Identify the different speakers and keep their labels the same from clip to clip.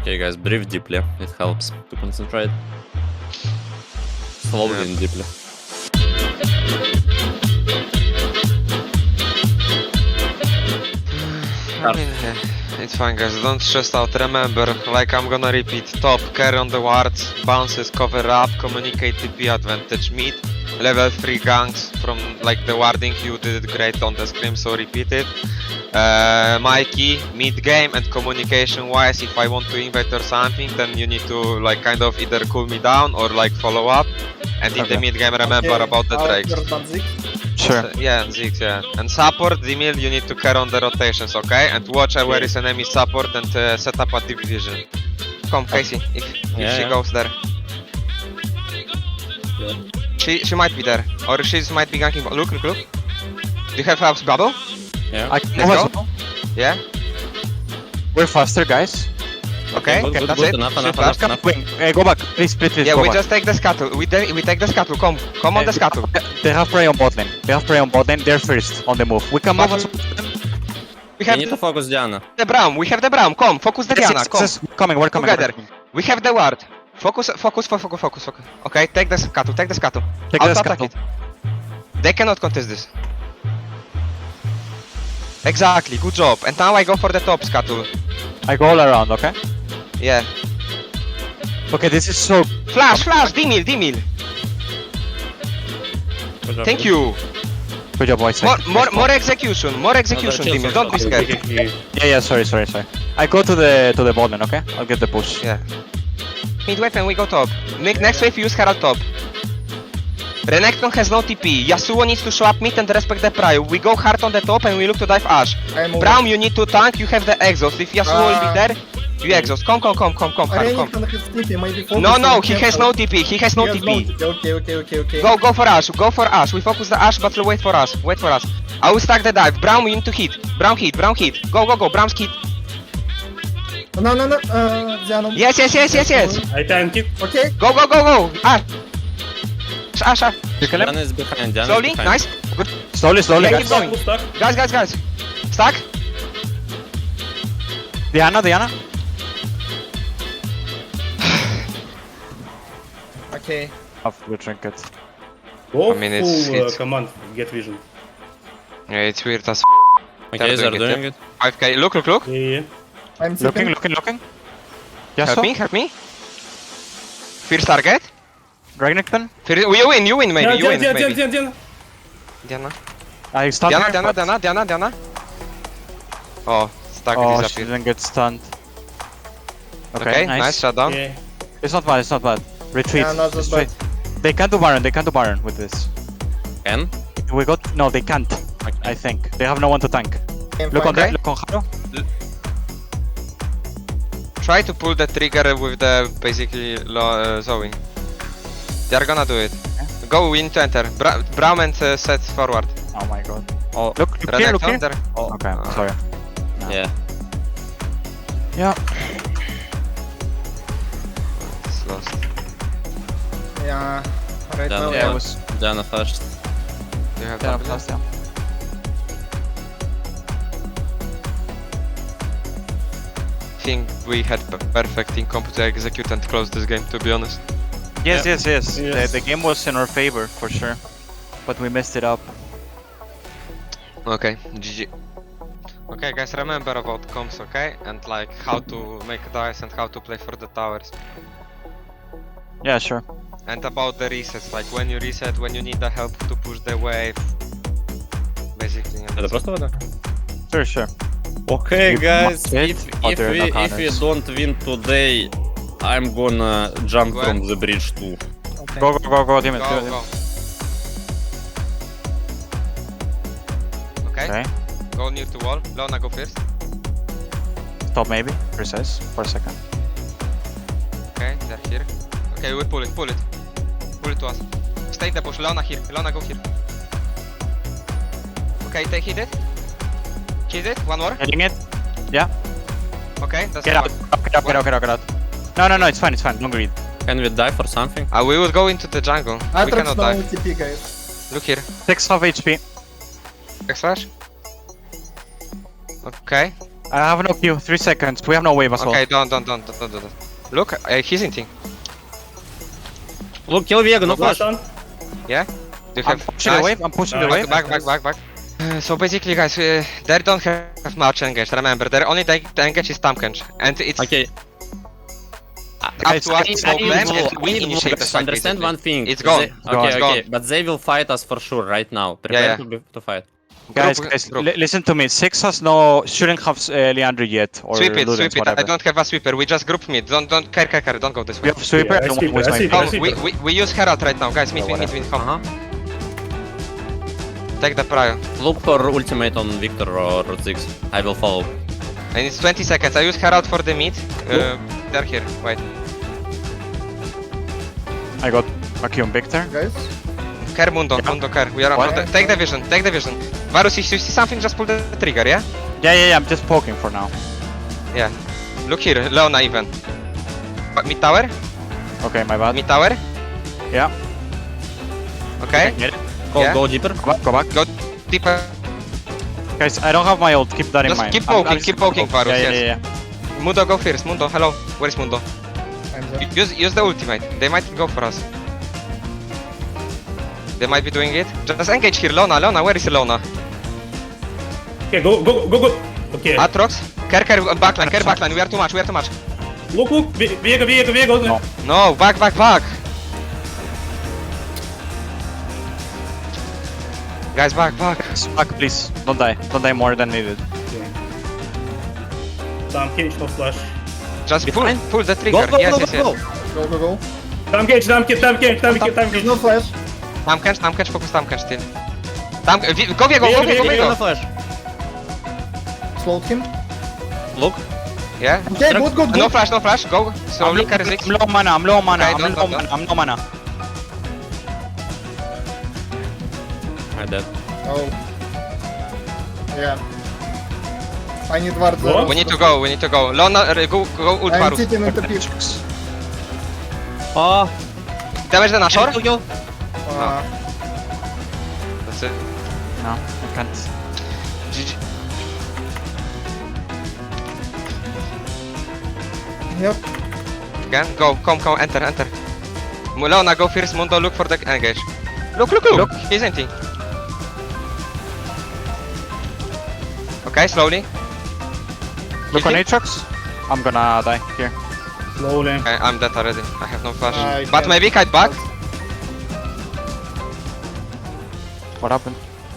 Speaker 1: Okay, guys, breathe deeply. It helps to concentrate. Slowly and deeply.
Speaker 2: I mean, it's fine, guys. Don't stress out. Remember, like I'm gonna repeat: top, carry on the wards, bounces, cover up, communicate TP advantage, mid, level 3 ganks from like the warding. You did it great on the scrim, so repeat it. Mikey, mid game and communication wise, if I want to invade or something, then you need to like kind of either cool me down or like follow up. And in the mid game, remember about the Drake.
Speaker 3: Sure.
Speaker 2: Yeah, Ziggs, yeah. And support, Dimil, you need to carry on the rotations, okay? And watch where is enemy support and set up a deep vision. Come, Casey, if she goes there. She might be there, or she might be ganking. Look. Do you have house bubble?
Speaker 1: Yeah.
Speaker 3: I can
Speaker 2: Let's
Speaker 3: go.
Speaker 2: Yeah?
Speaker 3: We're faster, guys.
Speaker 2: Okay,
Speaker 1: good,
Speaker 2: that's
Speaker 1: good,
Speaker 2: it.
Speaker 1: enough,
Speaker 2: She
Speaker 1: enough,
Speaker 2: flashed.
Speaker 1: enough.
Speaker 3: Wait, go back. Please,
Speaker 2: Yeah,
Speaker 3: go
Speaker 2: we
Speaker 3: back.
Speaker 2: just take the scuttle. We take the scuttle. Come on the scuttle.
Speaker 3: They have prey on bot lane. They're first on the move. We can move
Speaker 2: But-
Speaker 3: as
Speaker 2: We
Speaker 1: We
Speaker 2: have
Speaker 1: need to focus Diana.
Speaker 2: the Braum. We have the Braum. Come, focus the Diana. Come.
Speaker 3: We're coming.
Speaker 2: Together. We have the ward. Focus. Okay, take the scuttle.
Speaker 3: Take the
Speaker 2: Auto-attack
Speaker 3: scuttle.
Speaker 2: it. They cannot contest this. Exactly, good job. And now I go for the top scuttle.
Speaker 3: I go all around, okay?
Speaker 2: Yeah.
Speaker 3: Okay, this is so...
Speaker 2: Flash, Dimil.
Speaker 1: Good job.
Speaker 2: Thank you.
Speaker 3: Good job, boys.
Speaker 2: More execution, Dimil. Don't be scared.
Speaker 3: Yeah, sorry. I go to the bot lane, okay? I'll get the push.
Speaker 2: Yeah. Mid wave and we go top. Next wave use Herald top. Renekton has no TP. Yasuo needs to show up mid and respect the prio. We go hard on the top and we look to dive Ashe. Braum, you need to tank, you have the exhaust. If Yasuo will be there, you exhaust. Come. Hard, come. No, he has no TP.
Speaker 4: Okay.
Speaker 2: Go for Ashe. We focus the Ashe, but wait for us. I will stack the dive. Braum, you need to hit. Braum hit. Go. Braum's hit.
Speaker 4: No, Diana.
Speaker 2: Yes.
Speaker 5: I tank it.
Speaker 4: Okay.
Speaker 2: Go. Ashe.
Speaker 3: You kill him?
Speaker 1: Diana is behind. Diana
Speaker 2: Slowly,
Speaker 1: is behind.
Speaker 2: nice. Good.
Speaker 3: Slowly,
Speaker 2: Yeah,
Speaker 3: guys.
Speaker 2: keep going.
Speaker 5: Who's stuck?
Speaker 2: Guys. Stack.
Speaker 3: Diana.
Speaker 4: Okay.
Speaker 3: Off the trinket.
Speaker 5: Go
Speaker 2: I mean, it's-
Speaker 5: full
Speaker 2: it's-
Speaker 5: command, get vision.
Speaker 2: Yeah, it's weird as
Speaker 1: Okay, they're
Speaker 2: doing it,
Speaker 1: doing it.
Speaker 2: 5k. Look.
Speaker 5: Yeah.
Speaker 4: I'm sleeping.
Speaker 3: Looking. Yes,
Speaker 2: Help me. First target.
Speaker 3: Renekton.
Speaker 2: You win, maybe. You win, maybe.
Speaker 5: Diana.
Speaker 2: Diana.
Speaker 3: I stunned her, but-
Speaker 2: Diana. Oh, stack
Speaker 3: Oh, she
Speaker 2: disappeared.
Speaker 3: didn't get stunned.
Speaker 2: Okay, nice shutdown.
Speaker 5: Yeah.
Speaker 3: It's not bad. Retreat.
Speaker 4: Yeah, not that
Speaker 3: Straight. They can't do Baron with this.
Speaker 1: Can?
Speaker 3: No, they can't. I think. They have no one to tank. Look on
Speaker 2: Okay.
Speaker 3: that, look on Haru.
Speaker 2: Try to pull the trigger with the basically Zoe. They are gonna do it. Go, we need to enter. Braum and set forward.
Speaker 3: Oh my god.
Speaker 1: Oh,
Speaker 3: Look here.
Speaker 2: Renekton, there.
Speaker 1: oh.
Speaker 3: Okay, sorry.
Speaker 1: Yeah.
Speaker 3: Yeah.
Speaker 2: It's lost.
Speaker 4: Yeah. Right
Speaker 1: Diana,
Speaker 4: now.
Speaker 3: Yeah,
Speaker 1: yeah.
Speaker 3: it was...
Speaker 1: Diana first.
Speaker 2: You have
Speaker 3: Yeah,
Speaker 2: W?
Speaker 3: plus, yeah.
Speaker 2: I think we had perfect in comp to execute and close this game, to be honest.
Speaker 3: Yes.
Speaker 5: Yes.
Speaker 3: The game was in our favor, for sure. But we messed it up.
Speaker 2: Okay, GG. Okay, guys, remember about comms, okay? And like how to make dice and how to play for the towers.
Speaker 3: Yeah, sure.
Speaker 2: And about the resets, like when you reset, when you need the help to push the wave. Basically. and
Speaker 1: Это
Speaker 2: that's
Speaker 1: просто вода?
Speaker 3: Sure.
Speaker 1: Okay,
Speaker 3: You
Speaker 1: guys,
Speaker 3: must hit, but there are no
Speaker 1: if we
Speaker 3: counters.
Speaker 1: don't win today, I'm gonna jump
Speaker 2: When?
Speaker 1: from the bridge too.
Speaker 4: Okay.
Speaker 3: Go, Dimit.
Speaker 2: Go. Okay.
Speaker 3: Okay.
Speaker 2: Go near to wall. Leona, go first.
Speaker 3: Stop maybe. Precise. For a second.
Speaker 2: Okay, they're here. Okay, we pull it. Pull it to us. Stay in the bush. Leona here. Leona, go here. Okay, take hit it. Hit it. One more.
Speaker 3: Hitting it.
Speaker 2: Okay, that's
Speaker 3: Get out. Get out. No, it's fine. Don't greed.
Speaker 1: Can we die for something?
Speaker 2: We would go into the jungle. We
Speaker 4: Atrox
Speaker 2: cannot
Speaker 4: no
Speaker 2: die.
Speaker 4: TP, guys.
Speaker 2: Look here.
Speaker 3: 6 half HP.
Speaker 2: X flash. Okay.
Speaker 3: I have no Q. 3 seconds. We have no wave as well.
Speaker 2: Okay, don't. Look, he's inting.
Speaker 1: Look, kill Vega, no
Speaker 5: Flash
Speaker 1: flash.
Speaker 5: on.
Speaker 2: Yeah? Do you
Speaker 3: I'm
Speaker 2: have...
Speaker 3: pushing the wave. I'm pushing the wave.
Speaker 2: Back. So basically, guys, they don't have much engage. Remember, their only engage is Tamkench, and it's
Speaker 1: Okay.
Speaker 2: up
Speaker 3: Guys,
Speaker 2: to us to
Speaker 3: I
Speaker 2: smoke
Speaker 3: need
Speaker 2: them,
Speaker 3: to-
Speaker 2: and we initiate the
Speaker 1: Just
Speaker 2: fight.
Speaker 1: understand
Speaker 2: basically.
Speaker 1: one thing.
Speaker 2: It's gone.
Speaker 1: Okay,
Speaker 2: It's
Speaker 1: okay,
Speaker 2: gone.
Speaker 1: but they will fight us for sure right now. Prepare
Speaker 2: Yeah.
Speaker 1: to fight.
Speaker 3: Guys,
Speaker 2: Group,
Speaker 3: guys,
Speaker 2: group.
Speaker 3: listen to me. Six has no, shouldn't have Leandro yet or
Speaker 2: Sweep it.
Speaker 3: Ludens,
Speaker 2: I
Speaker 3: whatever.
Speaker 2: don't have a sweeper. We just group mid. Don't care. Don't go this
Speaker 3: We
Speaker 2: way.
Speaker 3: have sweeper.
Speaker 5: Yeah,
Speaker 3: I don't
Speaker 5: sweeper,
Speaker 3: want to waste
Speaker 5: I
Speaker 3: my
Speaker 5: see.
Speaker 3: time.
Speaker 2: Oh, we use Herald right now, guys. Meet. Come.
Speaker 1: Uh-huh.
Speaker 2: Take the prio.
Speaker 1: Look for ultimate on Victor or Ziggs. I will follow.
Speaker 2: And it's 20 seconds. I use Herald for the mid. They're here. Wait.
Speaker 3: I got a Q on Victor.
Speaker 4: Guys.
Speaker 2: Care Mundo. Care. We are on
Speaker 3: What?
Speaker 2: front. Take the vision. Varus, if you see something, just pull the trigger, yeah?
Speaker 3: Yeah. I'm just poking for now.
Speaker 2: Yeah. Look here, Leona even. Mid tower?
Speaker 3: Okay, my bad.
Speaker 2: Mid tower?
Speaker 3: Yeah.
Speaker 2: Okay.
Speaker 3: Get it.
Speaker 1: Go deeper.
Speaker 3: Go back.
Speaker 2: Go deeper.
Speaker 3: Guys, I don't have my ult. Keep that in
Speaker 2: Just
Speaker 3: mind.
Speaker 2: keep
Speaker 3: I'm
Speaker 2: poking,
Speaker 3: just
Speaker 2: keep
Speaker 3: gonna
Speaker 2: poking,
Speaker 3: poke.
Speaker 2: Varus,
Speaker 3: Yeah,
Speaker 2: yes.
Speaker 3: yeah.
Speaker 2: Mundo, go first. Mundo, hello. Where is Mundo?
Speaker 4: I'm there.
Speaker 2: Use the ultimate. They might go for us. They might be doing it. Just engage here, Leona. Where is Leona?
Speaker 5: Okay, go. Okay.
Speaker 2: Atrox. Care backline. We are too much.
Speaker 5: Look. Viego.
Speaker 3: No.
Speaker 2: No, back. Guys, back.
Speaker 3: Back, please. Don't die more than needed.
Speaker 5: Tam cage, no flash.
Speaker 2: Just
Speaker 1: Behind.
Speaker 2: pull the trigger.
Speaker 1: Go.
Speaker 2: Yes.
Speaker 4: Go.
Speaker 5: Tam cage.
Speaker 4: There's no flash.
Speaker 2: Tamkench, focus Tamkench still. Go Viego.
Speaker 1: No flash.
Speaker 4: Slowed him.
Speaker 1: Look.
Speaker 2: Yeah.
Speaker 4: Okay, good.
Speaker 2: No flash. Go. Slowly, carry six.
Speaker 3: I'm low mana.
Speaker 2: Okay, don't.
Speaker 3: I'm low mana.
Speaker 1: I dead.
Speaker 4: Oh. Yeah. I need ward.
Speaker 5: What?
Speaker 2: We need to go. Leona, go ult
Speaker 4: I'm
Speaker 2: Varus.
Speaker 4: sitting in the pit.
Speaker 1: Oh.
Speaker 2: Damage the Nashor?
Speaker 1: Kill.
Speaker 2: That's it.
Speaker 3: No, I can't.
Speaker 2: GG.
Speaker 4: Yep.
Speaker 2: Again, go, come, enter. Leona, go first, Mundo, look for the engage. Look. He's empty. Okay, slowly.
Speaker 3: Look on
Speaker 2: him.
Speaker 3: Aatrox. I'm gonna die here.
Speaker 5: Slowly.
Speaker 2: Okay, I'm dead already. I have no flash.
Speaker 4: I
Speaker 2: But
Speaker 4: can't-
Speaker 2: maybe kite back.
Speaker 3: What happened?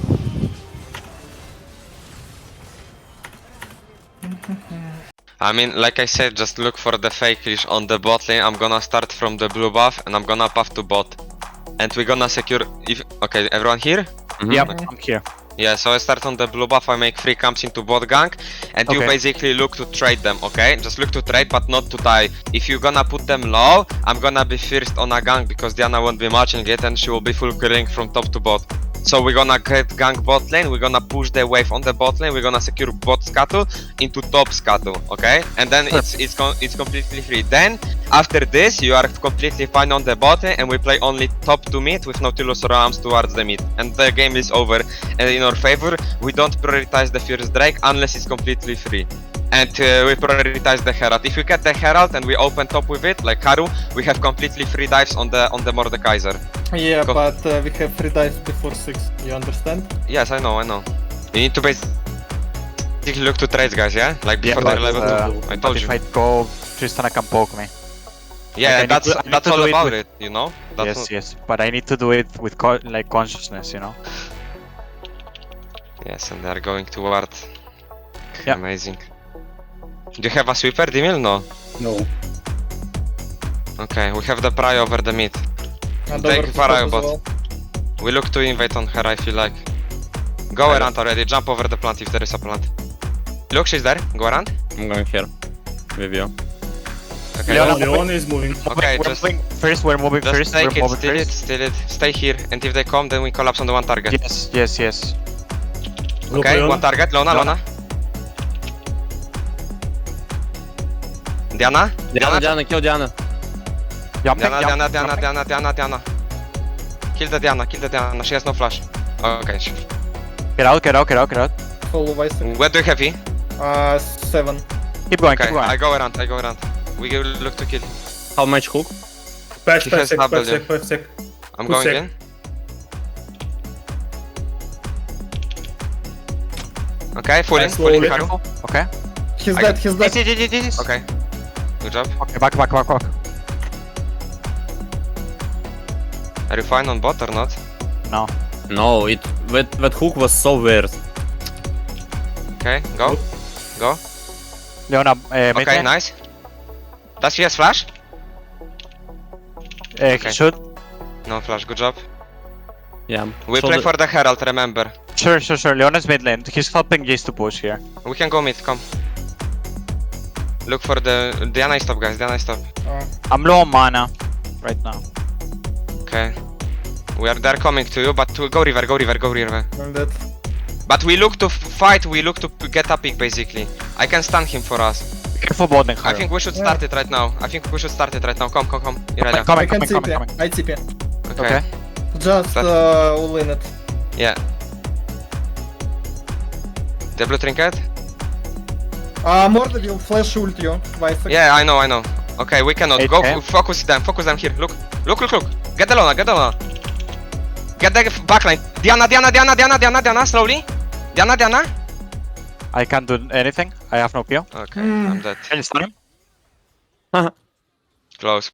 Speaker 2: I mean, like I said, just look for the fake leash on the bot lane. I'm gonna start from the blue buff and I'm gonna buff to bot. And we're gonna secure if okay, everyone here?
Speaker 3: Yep, I'm here.
Speaker 2: Yeah, so I start on the blue buff, I make 3 camps into bot gank, and you
Speaker 3: Okay.
Speaker 2: basically look to trade them, okay? Just look to trade, but not to die. If you're gonna put them low, I'm gonna be first on a gank, because Diana won't be matching it, and she will be full killing from top to bot. So we're gonna get gank bot lane, we're gonna push the wave on the bot lane, we're gonna secure bot scuttle into top scuttle, okay? And then it's completely free. Then, after this, you are completely fine on the bot lane, and we play only top to mid with Nautilus or arms towards the mid. And the game is over. And in our favor, we don't prioritize the first Drake unless it's completely free. And we prioritize the Herald. If we get the Herald and we open top with it, like Haru, we have completely free dives on the Mordekaiser.
Speaker 6: Yeah,
Speaker 2: Go.
Speaker 6: but we have 3 dice before 6, you understand?
Speaker 2: Yes, I know. You need to basically look to trades, guys, yeah? Like
Speaker 3: Yeah,
Speaker 2: before
Speaker 3: but,
Speaker 2: they're level 2. I
Speaker 3: but
Speaker 2: told
Speaker 3: if
Speaker 2: you.
Speaker 3: I go, Tristana can poke me.
Speaker 2: Yeah,
Speaker 3: like, I need to- I need
Speaker 2: that's
Speaker 3: to
Speaker 2: all
Speaker 3: do it
Speaker 2: about
Speaker 3: with-
Speaker 2: it, you know? That's
Speaker 3: Yes,
Speaker 2: all-
Speaker 3: yes. But I need to do it with like consciousness, you know?
Speaker 2: Yes, and they're going toward.
Speaker 3: Yeah.
Speaker 2: Amazing. Do you have a sweeper, Dimil? No.
Speaker 5: No.
Speaker 2: Okay, we have the pry over the mid.
Speaker 4: And
Speaker 2: Take
Speaker 4: over to
Speaker 2: Pharaoh
Speaker 4: top as
Speaker 2: bot.
Speaker 4: well.
Speaker 2: We look to invade on her if you like. Go around already, jump over the plant if there is a plant. Look, she's there. Go around.
Speaker 1: I'm going here. With you.
Speaker 2: Okay,
Speaker 3: Leona,
Speaker 5: Leon is moving.
Speaker 2: Okay,
Speaker 3: we're
Speaker 2: just-
Speaker 3: moving first, we're moving
Speaker 2: just
Speaker 3: first,
Speaker 2: take
Speaker 3: we're
Speaker 2: it,
Speaker 3: moving
Speaker 2: steal it. Stay here, and if they come, then we collapse on the one target.
Speaker 3: Yes.
Speaker 5: Look,
Speaker 2: Okay,
Speaker 5: Leon.
Speaker 2: one target, Leona. Diana?
Speaker 1: Diana, kill Diana.
Speaker 3: Jumping,
Speaker 2: Diana. Kill the Diana, she has no flash. Okay,
Speaker 3: Get out.
Speaker 4: Follow Vice.
Speaker 2: where do you have E?
Speaker 4: 7.
Speaker 3: Keep going,
Speaker 2: Okay,
Speaker 3: keep going.
Speaker 2: I go around. We will look to kill.
Speaker 1: How much hook?
Speaker 5: Patch,
Speaker 2: He
Speaker 5: patch
Speaker 2: has
Speaker 5: sec,
Speaker 2: double
Speaker 5: patch sec, patch sec.
Speaker 2: I'm
Speaker 5: Two
Speaker 2: going
Speaker 5: sec.
Speaker 2: in. Okay, full in,
Speaker 5: Nice,
Speaker 2: full in,
Speaker 5: slowly.
Speaker 2: Haru.
Speaker 3: Okay.
Speaker 4: He's
Speaker 2: I-
Speaker 4: dead, he's dead.
Speaker 3: Yes.
Speaker 2: Okay. Good job.
Speaker 3: Okay, back.
Speaker 2: Are you fine on bot or not?
Speaker 3: No.
Speaker 1: No, that hook was so weird.
Speaker 2: Okay, go. Go.
Speaker 3: Leona, mid
Speaker 2: Okay,
Speaker 3: lane.
Speaker 2: nice. Does she has flash?
Speaker 3: He
Speaker 2: okay.
Speaker 3: should.
Speaker 2: No flash, good job.
Speaker 1: Yeah.
Speaker 2: We
Speaker 1: So
Speaker 2: play
Speaker 1: the-
Speaker 2: for the Herald, remember.
Speaker 3: Sure. Leona's mid lane. He's helping Jace to push here.
Speaker 2: We can go mid, come. Look for the Diana stop, guys. Diana stop.
Speaker 4: Oh.
Speaker 3: I'm low on mana right now.
Speaker 2: Okay. They're coming to you, but to go river.
Speaker 4: I'm dead.
Speaker 2: But we look to fight, we look to get a pick basically. I can stun him for us.
Speaker 3: Careful bot lane,
Speaker 2: I
Speaker 3: Haru.
Speaker 2: think we should start it right now. Come. Irelia.
Speaker 4: I can
Speaker 3: Coming.
Speaker 4: TP. I TP.
Speaker 3: Okay.
Speaker 4: Just
Speaker 2: Start.
Speaker 4: all in it.
Speaker 2: Yeah. The blue trinket?
Speaker 4: Morde will flash ult you. 5 seconds.
Speaker 2: Yeah, I know. Okay, we cannot. Go,
Speaker 3: Okay.
Speaker 2: focus them here. Look. Get the Lona. Get the backline. Diana, slowly. Diana.
Speaker 3: I can't do anything. I have no PO.
Speaker 2: Okay, I'm dead.
Speaker 3: Can you stun him?
Speaker 2: Close.